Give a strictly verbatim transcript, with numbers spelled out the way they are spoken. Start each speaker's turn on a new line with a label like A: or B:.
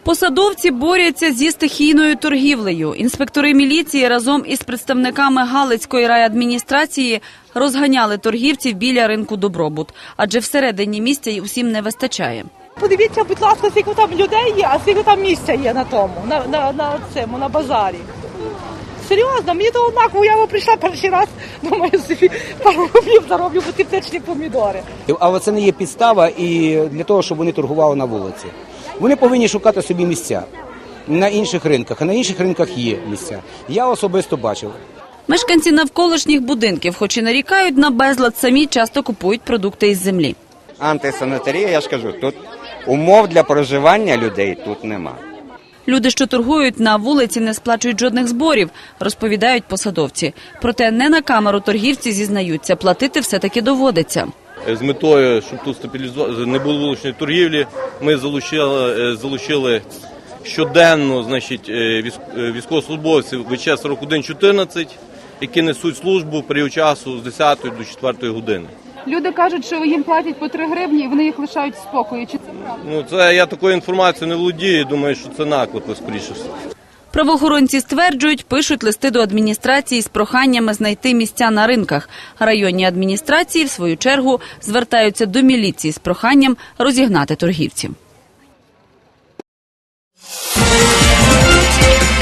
A: Посадовці борються зі стихійною торгівлею. Інспектори міліції разом із представниками Галицької райадміністрації розганяли торгівців біля ринку «Добробут», адже всередині місця й усім не вистачає.
B: Подивіться, будь ласка, скільки там людей є, а скільки там місця є на тому, на, на, на цьому, на базарі. Серйозно, мені то однаково, я прийшла перший раз, думаю, собі пару рублів зароблю, бо ті птичні помідори.
C: Але це не є підстава і для того, щоб вони торгували на вулиці. Вони повинні шукати собі місця на інших ринках, а на інших ринках є місця. Я особисто бачив.
A: Мешканці навколишніх будинків, хоч і нарікають на безлад, самі часто купують продукти із землі.
D: Антисанітарія, я ж кажу, тут умов для проживання людей тут нема.
A: Люди, що торгують на вулиці, не сплачують жодних зборів, розповідають посадовці. Проте не на камеру торгівці зізнаються, платити все-таки доводиться.
E: З метою, щоб тут стабілізувати, не було вуличної торгівлі, ми залучили, залучили щоденно, значить, військовослужбовців ВЧ сорок один чотирнадцять, які несуть службу період часу з десятої до четвертої години.
F: Люди кажуть, що їм платять по три гривні і вони їх лишають в спокої. Чи це правда?
E: Ну, це я такою інформацією не володію, думаю, що це наклепи, скоріше все.
A: Правоохоронці стверджують, пишуть листи до адміністрації з проханнями знайти місця на ринках. Районні адміністрації, в свою чергу, звертаються до міліції з проханням розігнати торгівців.